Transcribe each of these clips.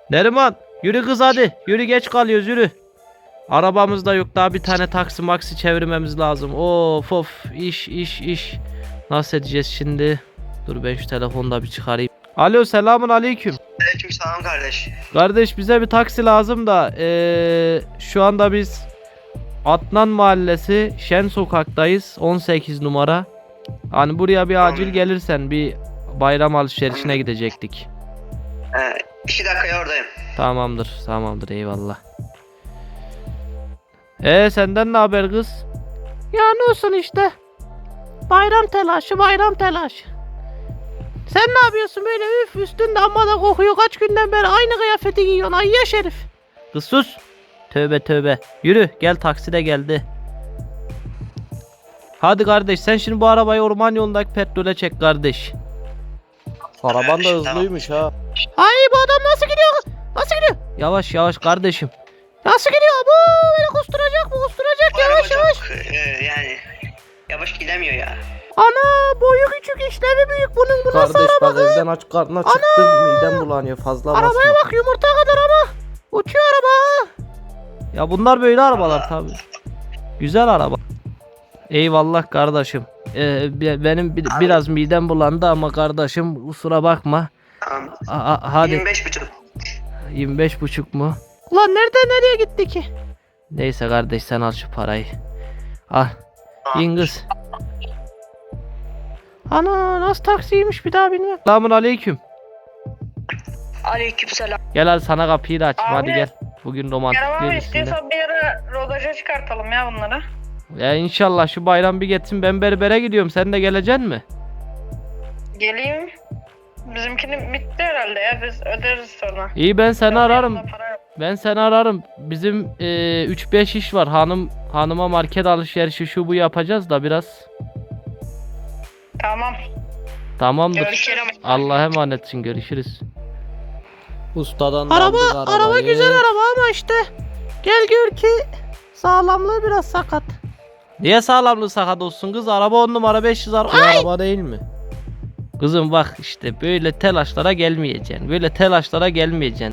Neriman yürü kız hadi. Yürü geç kalıyoruz yürü. Arabamız da yok daha bir tane taksi maksi çevirmemiz lazım. Of of iş. Nasıl edeceğiz şimdi? Dur ben şu telefonu da bir çıkarayım. Alo selamun aleyküm. Aleykümselam kardeş. Kardeş bize bir taksi lazım da şu anda biz Adnan Mahallesi Şen Sokak'tayız 18 numara. Hani buraya bir acil gelirsen bir bayram alışverişine gidecektik. 2 dakikaya oradayım. Tamamdır eyvallah. Senden ne haber kız? Ya ne olsun işte. Bayram telaşı. Sen ne yapıyorsun böyle üstünde amma da kokuyor kaç günden beri aynı kıyafeti giyiyorsun ayya şerif. Kız sus. Tövbe. Yürü gel taksi de geldi. Hadi kardeş sen şimdi bu arabayı orman yolundaki petrole çek kardeş. Araban da hızlıymış ha. Ay bu adam nasıl gidiyor? Yavaş kardeşim. Nasıl gidiyor bu? Beni kusturacak yavaş. Yani yavaş gidemiyor ya. Ana boyu küçük işlevi büyük bunun bu nasıl Kardeş araba? bak evden aç karnına çıktım midem bulanıyor fazla basma. Arabaya bak yumurta kadar ama. Uçuyor araba. Ya bunlar böyle arabalar tabi. Güzel araba. Eyvallah kardeşim. Benim biraz midem bulandı ama kardeşim kusura bakma. Tamam. Hadi. 25,5. 25,5 mu? Ulan nereye gitti ki? Neyse kardeş sen al şu parayı. Al. İn kız. Ana nasıl taksiymiş bir daha bilmem. Selamun aleyküm. Aleykümselam. Gel hadi sana kapıyı da açayım hadi Abi. gel. Bugün romantik Kerem abi değil üstünde. istiyorsan bir ara rodaja çıkartalım ya bunları. Ya inşallah şu bayram bir geçsin ben berbere gidiyorum sen de geleceksin mi? Geleyim. Bizimkinin bitti herhalde ya biz öderiz sonra. İyi ben seni ararım. Para yok. Ben seni ararım. Bizim 3-5 iş var. Hanıma market alışverişi şu bu yapacağız da biraz. Tamam. Tamamdır. Görüşürüz. Allah'a emanetsin görüşürüz. Ustadan da aldık arabayı. Araba güzel araba ama işte gel gör ki sağlamlığı biraz sakat. Niye sağlamlığı sakat olsun kız? Araba 10 numara 500 araba. Bu araba değil mi? Kızım bak işte böyle telaşlara gelmeyeceksin.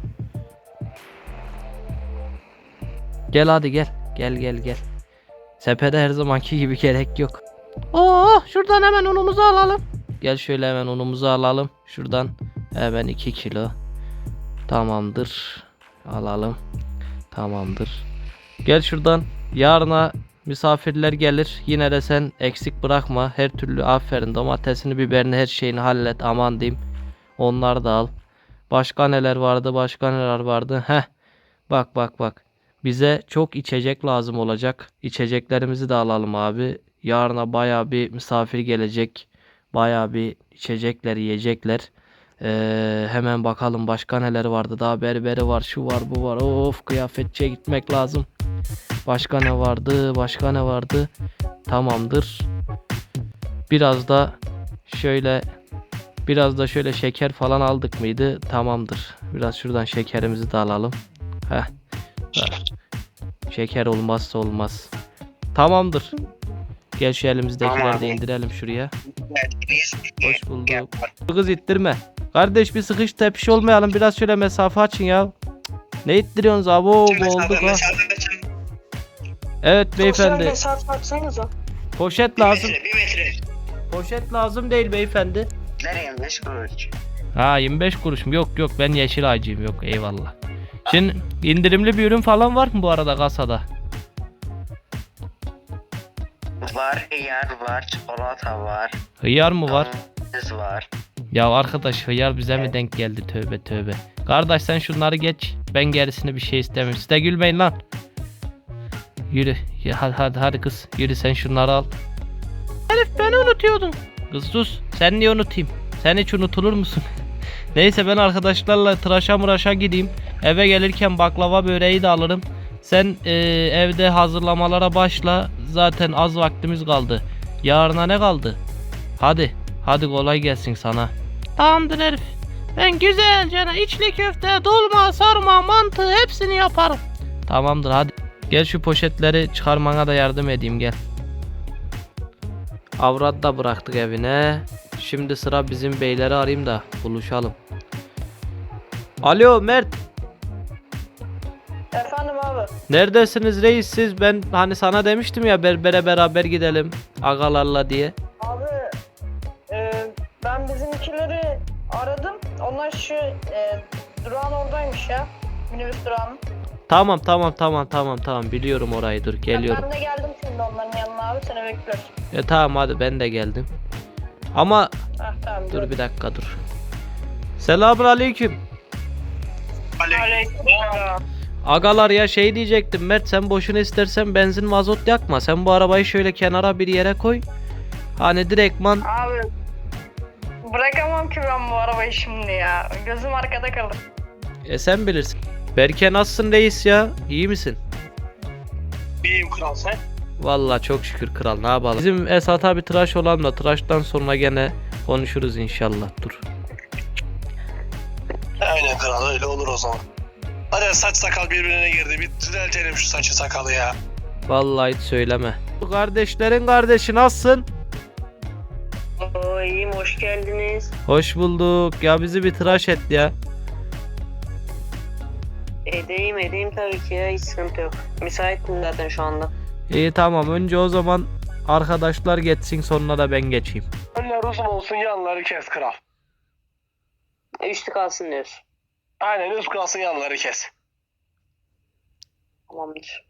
Gel hadi gel. Gel. Sepede her zamanki gibi gerek yok. Şuradan hemen unumuzu alalım. Gel şöyle hemen unumuzu alalım. Şuradan hemen 2 kilo. Tamamdır. Alalım. Tamamdır. Gel şuradan. Yarına misafirler gelir. Yine de sen eksik bırakma. Her türlü aferin. Domatesini, biberini, her şeyini hallet. Aman diyeyim. Onları da al. Başka neler vardı? Heh. Bak. Bize çok içecek lazım olacak. İçeceklerimizi de alalım abi. Yarına baya bir misafir gelecek. Baya bir içecekler, yiyecekler. Hemen bakalım başka neler vardı. Daha berberi var, şu var, bu var. Of kıyafetçiye gitmek lazım. Başka ne vardı? Tamamdır. Biraz da şöyle şeker falan aldık mıydı? Tamamdır. Biraz şuradan şekerimizi de alalım. Heh. Şeker olmazsa olmaz. Tamamdır. Gel şu elimizdekileri de indirelim şuraya. Hoş bulduk. Kız ittirme. Kardeş bir sıkış tepiş olmayalım. Biraz şöyle mesafe açın ya. Ne ittiriyorsunuz abi? Boğulduk ha. Evet beyefendi. Mesafe atsanıza. Poşet lazım. 1 metre. Poşet lazım değil beyefendi. Nereye 25 kuruş? Ha 25 kuruş mu? Yok ben yeşil ağacıyım yok eyvallah. Şimdi indirimli bir ürün falan var mı bu arada kasada? Var, hıyar var, çikolata var. Hıyar mı var? Domates var. Ya arkadaş hıyar bize mi denk geldi tövbe. Kardeş sen şunları geç. Ben gerisini bir şey istemiyorum. Siz de gülmeyin lan. Yürü. Ya, hadi kız. Yürü sen şunları al. Herif beni unutuyordun. Kız sus. Sen niye unutayım? Sen hiç unutulur musun? Neyse ben arkadaşlarla tıraşa gideyim. Eve gelirken baklava böreği de alırım. Sen evde hazırlamalara başla. Zaten az vaktimiz kaldı. Yarına ne kaldı? Hadi kolay gelsin sana. Tamamdır herif. Ben güzelce içli köfte, dolma, sarma, mantı hepsini yaparım. Tamamdır hadi. Gel şu poşetleri çıkarmana da yardım edeyim gel. Avrat da bıraktık evine. Şimdi sıra bizim beyleri arayayım da buluşalım. Alo Mert. Efendim abi. Neredesiniz reis siz? Ben hani sana demiştim ya berbere beraber gidelim agalarla diye. Abi ben bizimkileri aradım. Onlar şu durağın oradaymış ya. Minibüs durağının. Tamam biliyorum orayı, dur geliyorum. Ben de geldim şimdi onların yanına abi. Seni bekliyoruz. Tamam hadi ben de geldim. Ama Tamam. dur bir dakika dur. Selamun aleyküm. Aleykümselam. Agalar ya şey diyecektim Mert, sen boşuna istersen benzin mazot yakma. Sen bu arabayı şöyle kenara bir yere koy. Hani direktman Abi bırakamam ki ben bu arabayı şimdi ya. Gözüm arkada kalır. sen bilirsin. Berke nasılsın reis ya? İyi misin? İyiyim kral sen. Vallahi çok şükür kral, ne yapalım. Bizim Esat abi tıraş olan da tıraştan sonra gene konuşuruz inşallah, dur. Aynen kral, öyle olur o zaman. Hadi saç sakal birbirine girdi. Bir düzeltelim şu saçı sakalı ya. Vallahi hiç söyleme. Kardeşlerin kardeşi nasılsın? Oo, iyiyim, hoş geldiniz. Hoş bulduk. Ya bizi bir tıraş et ya. Edeyim tabii ki ya, hiç sıkıntı yok. Müsaitim zaten şu anda. İyi tamam, önce o zaman arkadaşlar geçsin, sonra da ben geçeyim. Önler uzun olsun, yanları kes kral. Üstü kalsın diyorsun. Aynen, üst kalsın, yanları kes. Tamamdır.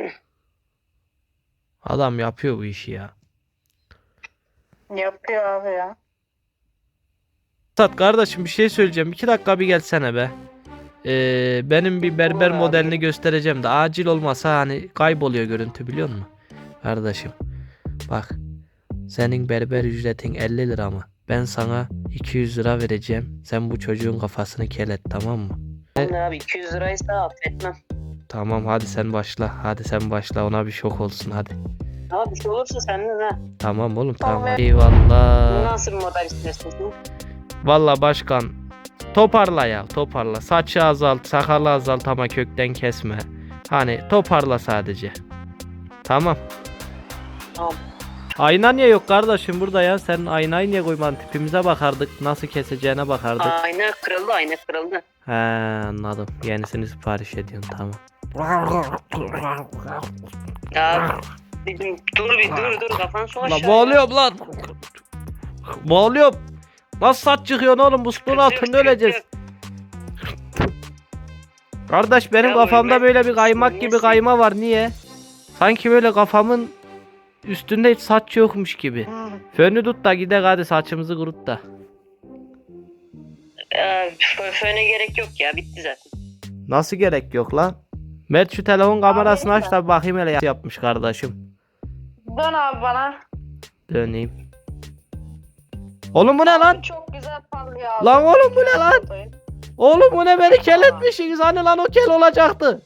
Adam yapıyor bu işi ya. Yapıyor abi ya. Esat kardeşim bir şey söyleyeceğim. 2 dakika bir gelsene be. Benim bir berber Olur abi. modelini göstereceğim de acil olmasa hani kayboluyor görüntü, biliyor musun? Kardeşim bak, senin berber ücretin 50 lira mı? Ben sana 200 lira vereceğim. Sen bu çocuğun kafasını kelet, tamam mı? Ne abi, 200 liraysa affetmem. Tamam hadi sen başla. Hadi sen başla, ona bir şok olsun hadi. Ama bir şey olursa senden ha. Tamam oğlum tamam. Tamam. Eyvallah. Nasıl bir model istersin sen? Vallahi başkan toparla ya, toparla. Saçı azalt, sakalı azalt ama kökten kesme. Hani toparla sadece. Tamam. Tamam. Ayna niye yok kardeşim burada ya? Sen aynayı niye koymadın? Tipimize bakardık. Nasıl keseceğine bakardık. Ayna kırıldı. He anladım. Yenisini sipariş ediyorsun, tamam. Ya dur kafan su Lan aşağı. boğuluyorum lan. Boğuluyorum. Nasıl saç çıkıyorsun oğlum? Bu suyun altında öleceğiz. Kardeş benim Ya kafamda ölme- böyle bir kaymak gibi ölmesin. kayma var. Niye? Sanki böyle kafamın üstünde hiç saç yokmuş gibi. Fönü tut da gidek hadi, saçımızı kurut da. Föne gerek yok ya, bitti zaten. Nasıl gerek yok lan? Mert şu telefon kamerasını aç da bakayım hele yapmış kardeşim. Dön abi bana. Döneyim. Oğlum bu ne lan? Çok güzel parlıyor abi. Lan oğlum bu ne lan? Oğlum bu ne, beni kel etmişsiniz, hani lan o kel olacaktı.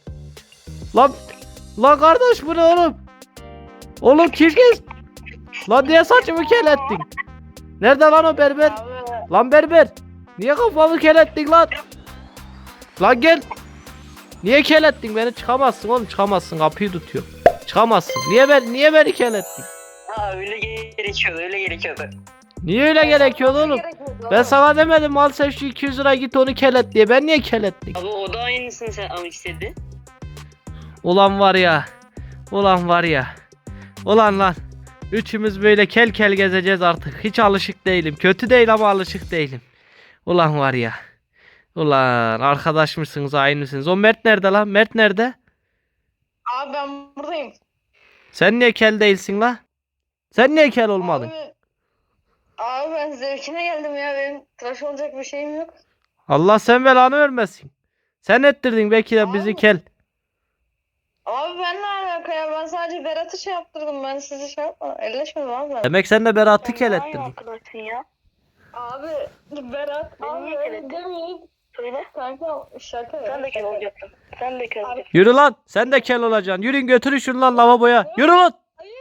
Lan kardeş bu ne oğlum? Oğlum kim kes? Lan niye saçımı kel ettin? Nerede lan o berber? Abi Lan berber. Niye kafamı kel ettin lan? Lan gel. Niye kel ettin beni? Çıkamazsın oğlum, çıkamazsın, kapıyı tutuyor. Çıkamazsın. Niye beni kel ettin? Ha, öyle gerekiyordu. Niye öyle gerekiyordu oğlum? Ben sana demedim al sen şu 200 lira git onu kel et diye. Ben niye kel ettim? Abi o da aynısını sen ama istedi. Ulan var ya. Ulan var ya. Ulan lan. Üçümüz böyle kel kel gezeceğiz artık. Hiç alışık değilim. Kötü değil ama alışık değilim. Ulan var ya. Ulan arkadaş mısınız, aynısınız. O Mert nerede lan? Mert nerede? Abi ben buradayım. Sen niye kel değilsin la? Sen niye kel olmadın? Abi ben zevkine geldim ya. Benim tıraş olacak bir şeyim yok. Allah sen belanı vermesin. Sen ettirdin belki de bizi Abi. kel. Abi ben ne alaka ya? Ben sadece Berat'ı şey yaptırdım. Ben sizi şey yapmadım. Elleşmedim abi ben. Demek sen de Berat'ı Sen kel ne aynı ettirdin. arkadaşsın ya? Abi Berat. Beni Abi niye öyle kelettin? demeyin. Söyle. Kanka şaka. Sen de kel şaka. olacaksın. Sen de kel Abi- olacaksın. Yürü lan. Sen de kel olacaksın. Yürüyün götürün şunu lan lavaboya. Yürü lan.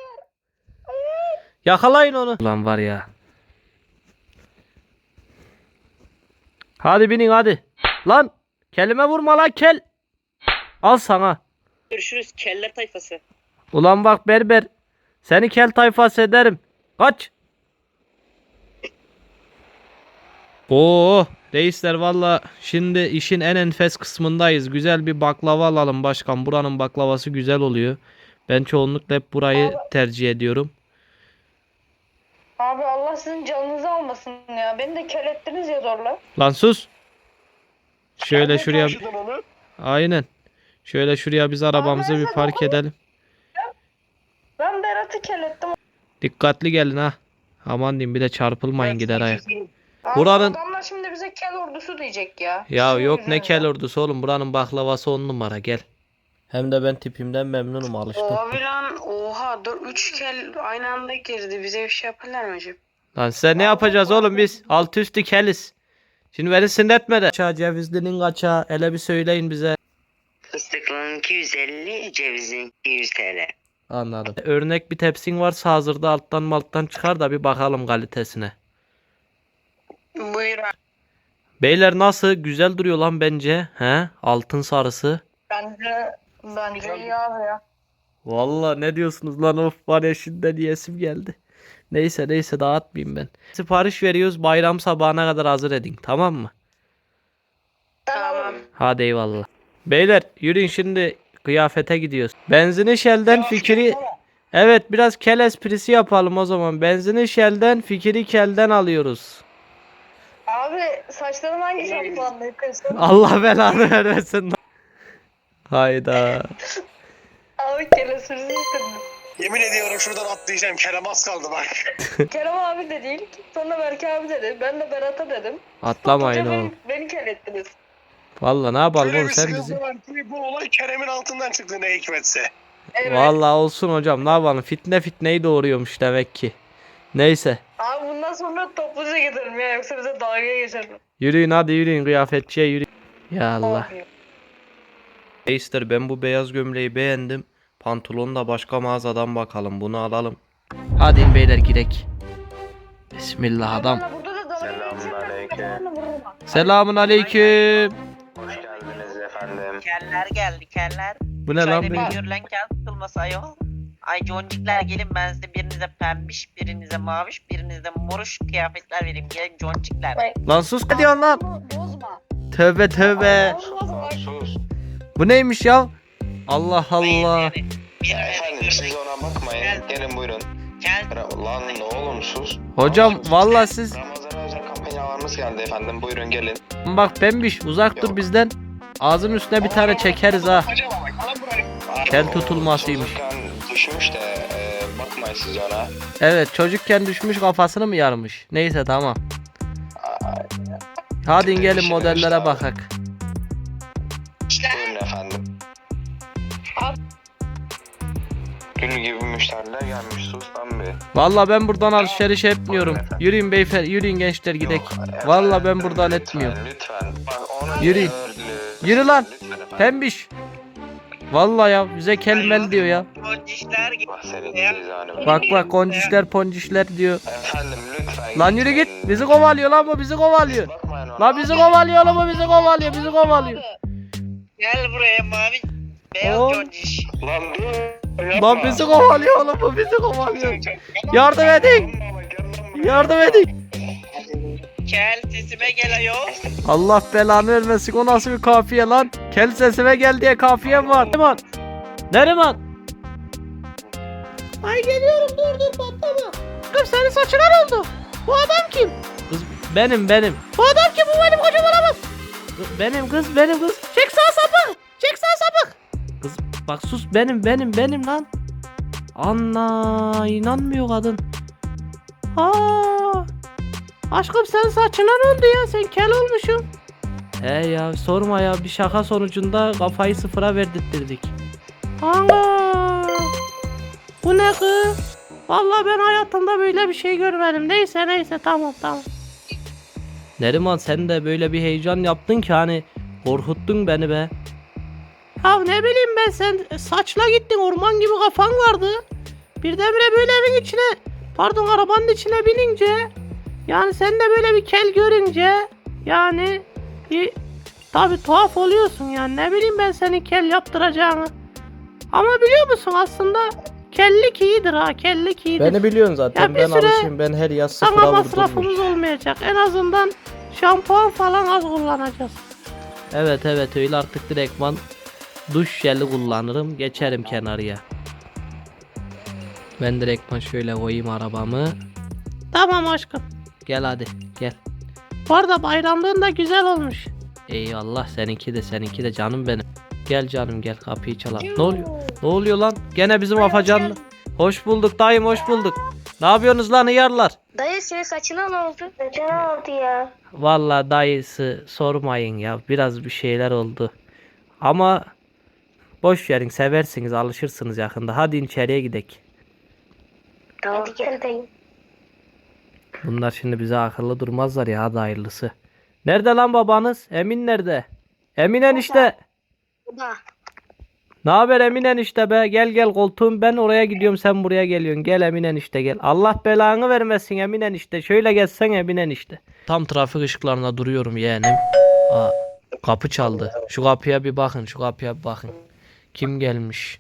Yakalayın onu. Ulan var ya. Hadi binin hadi. Lan. Kelime vurma lan kel. Al sana. Görüşürüz keller tayfası. Ulan bak berber. Seni kel tayfası ederim. Kaç. Oo, Reisler valla şimdi işin en enfes kısmındayız. Güzel bir baklava alalım başkan. Buranın baklavası güzel oluyor. Ben çoğunlukla hep burayı tercih ediyorum. Abi Allah sizin canınızı almasın ya. Beni de kel ettiniz ya zorla. Lan sus. Şöyle şuraya. Taşıdın onu. Aynen. Şöyle şuraya biz arabamızı bir park edelim. Ben Berat'ı kel ettim. Dikkatli gelin ha. Aman diyeyim bir de çarpılmayın gider ayak. Abi Buranın- adamlar şimdi bize kel ordusu diyecek ya. Ya Sizin yok ne yüzünüzden. kel ordusu oğlum. Buranın baklavası 10 numara gel. Hem de ben tipimden memnunum, alıştım. Abi lan oha 3 kel aynı anda girdi. Bize bir şey yaparlar mı acaba? Lan size ne yapacağız oğlum biz? Alt üstü keliz. Şimdi beni sinirletme de. Kaça cevizlinin kaça? Hele bir söyleyin bize. Fıstıklının 250, cevizin 200 TL. Anladım. Örnek bir tepsin varsa hazırda alttan malttan çıkar da bir bakalım kalitesine. Buyur abi. Beyler nasıl? Güzel duruyor lan bence. He? Altın sarısı. Bence iyi abi ya. Vallahi ne diyorsunuz lan, of var ya şimdiden yesim geldi. Neyse dağıtmayayım ben. Sipariş veriyoruz, bayram sabahına kadar hazır edin, tamam mı? Tamam. Hadi eyvallah. Beyler yürüyün şimdi kıyafete gidiyoruz. Benzini Shell'den fikri... Evet biraz kel esprisi yapalım o zaman. Benzini Shell'den fikri kelden alıyoruz. Abi saçlarım hangi şampuanla yıkıyorsun? Allah belanı vermesin. Hayda. Abi kel esprisi istediniz. Yemin ediyorum şuradan atlayacağım. Kerem az kaldı bak. Kerem abi de değil. Sonra Berke abi dedi. Ben de Berat'a dedim. Atlamayın Hoca oğlum. beni kel ettiniz. Vallahi ne yapalım Şöyle oğlum bir sen sıkıntı bizi. var ki bu olay Kerem'in altından çıktı ne hikmetse. Evet. Vallahi olsun hocam, ne yapalım, fitneyi doğuruyormuş demek ki. Neyse. Abi bundan sonra topluca gidelim ya. Yoksa bize dalga geçerim. Yürüyün hadi yürüyün, kıyafetçiye yürüyün. Ya Allah. Abi. Reisler ben bu beyaz gömleği beğendim. Pantolonu da başka mağazadan bakalım, bunu alalım. Hadi in beyler girek. Bismillah adam. Bana burada da dalga Selamünaleyküm. geçerler. Vururum ha. Selamun aleyküm. Hoş geldiniz efendim. Keller geldi keller. Bu ne lan Şöyle böyle? bir görülen kel sıkılması ayol. Ay concikler gelin, ben size birinize pembiş, birinize maviş, birinize moruş kıyafetler vereyim. Gelin concikler. Lan sus, ne diyorsun lan? Bozma. Tövbe tövbe. Bozma bak. Sus. Bu neymiş ya? Allah Allah. Efendim siz ona bakmayın. Gelin buyurun. Kel. Lan oğlum sus. Hocam vallahi siz Ramazan özel kampanyalarımız geldi efendim. Buyurun gelin. bak pembiş uzak dur Yok. bizden. Ağzın üstüne bir tane çekeriz ha. Acaba bak alın burayı. Kel tutulmasıymış. Çocukken düşmüş de bakmayın siz ona. Evet çocukken düşmüş, kafasını mı yarmış? Neyse tamam. Hadi gelin modellere bakak. Buyurun efendim. Gül gibi müşteriler gelmiş. Sus lan bir. Vallahi ben buradan alışveriş etmiyorum. Yürüyün beyefendi, yürüyün gençler gidek. Yok, efendim, Vallahi ben buradan lütfen, etmiyorum. Lütfen. Bak onu Yürüyün. Yürü lan. Lütfen efendim. Pembiş. Vallahi ya bize kelmel diyor ya. Concikler geldi. Bak senin cezanı. Bak koncişler poncişler diyor. Efendim lütfen. Lan yürü git. Bizi kovalıyor lan bu, bizi kovalıyor. Bakmayın ona. Lan bizi kovalıyor lan bu, bizi kovalıyor, bizi kovalıyor. Gel buraya mavi. Beyaz Oo. conciş. Lan dur. Lan bizi kovalıyor oğlum, bu bizi kovalıyor. Yardım edin. Yardım edin. Kel sesime gel ayol. Allah belanı vermesin, o nasıl bir kafiye lan? Kel sesime gel diye kafiyem var. Neriman. Neriman. Ay geliyorum, dur patlama. Kız senin saçına ne oldu? Bu adam kim? Kız benim. Bu adam kim? Bu benim kocam olamaz. Benim kız. Çek sağ sapık. Kız bak sus, benim lan. Anna inanmıyor kadın. Aşkım sen saçına ne oldu ya? Sen kel olmuşsun. He ya sorma ya, bir şaka sonucunda kafayı sıfıra verdirttirdik. Ana! Bu ne kız? Vallahi ben hayatımda böyle bir şey görmedim. Neyse tamam. Neriman sen de böyle bir heyecan yaptın ki hani korkuttun beni be. Ya ne bileyim ben, sen saçla gittin, orman gibi kafan vardı. Birdenbire böyle evin içine, pardon arabanın içine binince, yani sen de böyle bir kel görünce yani bir tabi tuhaf oluyorsun yani, ne bileyim ben senin kel yaptıracağını. Ama biliyor musun aslında kellik iyidir ha, kellik iyidir. Beni biliyorsun zaten, Ya bir ben süre alışayım, ben her yaz Sana sıfıra masrafımız vurdurmuş. olmayacak. En azından Şampuan falan az kullanacağız. Evet öyle artık direktman duş jeli kullanırım. Geçerim kenarıya. Ben direktman şöyle koyayım arabamı. Tamam aşkım. Gel hadi gel. Bu arada bayramlığın da güzel olmuş. Eyvallah seninki de canım benim. Gel canım gel kapıyı çalalım. Ne oluyor? Ne oluyor lan? Gene bizim afacan. Hoş bulduk dayım hoş bulduk. Ne yapıyorsunuz lan hıyarlar? Dayı senin saçına ne oldu? Saçına ne oldu ya? Vallahi dayısı sormayın ya. Biraz bir şeyler oldu. Ama boş verin seversiniz alışırsınız yakında. Hadi içeriye gidelim. Tamam. Hadi gel dayı. Bunlar şimdi bize akıllı durmazlar ya hadi hayırlısı. Nerede lan babanız? Emin nerede? Emin enişte. Baba. Ne haber Emin enişte be? Gel koltuğum ben oraya gidiyorum sen buraya geliyorsun. Gel Emin enişte gel. Allah belanı vermesin Emin enişte. Şöyle gelsen Emin enişte. Tam trafik ışıklarında duruyorum yeğenim. Aa, kapı çaldı. Şu kapıya bir bakın. Kim gelmiş?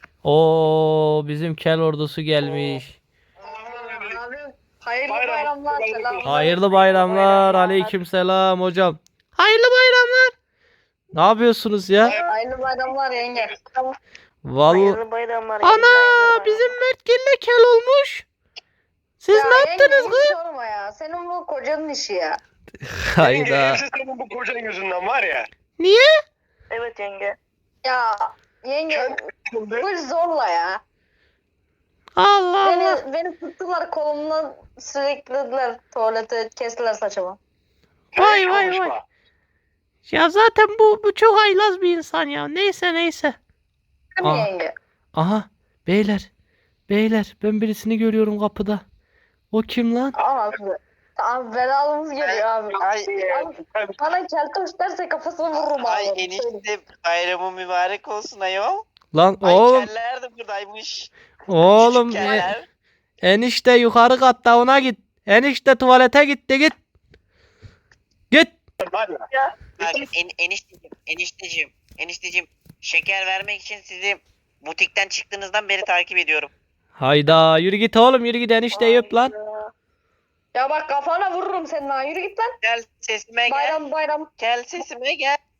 Oo bizim kel ordusu gelmiş. Abi hayırlı bayramlar. Selam. Hayırlı bayramlar. Aleykümselam hocam. Hayırlı bayramlar. Ne yapıyorsunuz ya? Hayırlı bayramlar yenge. Vallahi Hayırlı bayramlar. ana bizim Mert Gille kel olmuş. Siz Ya ne yaptınız yenge, kız? hiç sorma ya. Senin bu kocanın işi ya. Hayda. Hepsi senin bu kocan yüzünden var ya. Niye? Evet yenge. Ya yenge bu zorla ya. Allah Allah. Beni tuttular kolumdan sürüklediler tuvalete kestiler saçımı. Vay vay vay. Ya zaten bu çok haylaz bir insan ya. Neyse. Değil mi Aa. yenge? Aha beyler ben birisini görüyorum kapıda. O kim lan? Abi belalımız geliyor abi. Ay, Abi, bana keltoş derse kafasını vururum ay abi. enişte bayramı mübarek olsun ayol. Lan Ay oğlum keller de buradaymış. oğlum Küçük keller. enişte yukarı katta ona git. Enişte tuvalete gitti git. Git. Var ya. Bak enişteciğim şeker vermek için sizi butikten çıktığınızdan beri takip ediyorum. Hayda yürü git oğlum yürü git enişte öp lan. Ya bak kafana vururum senin ha. Yürü git lan. Gel sesime gel. Bayram. Gel sesime gel.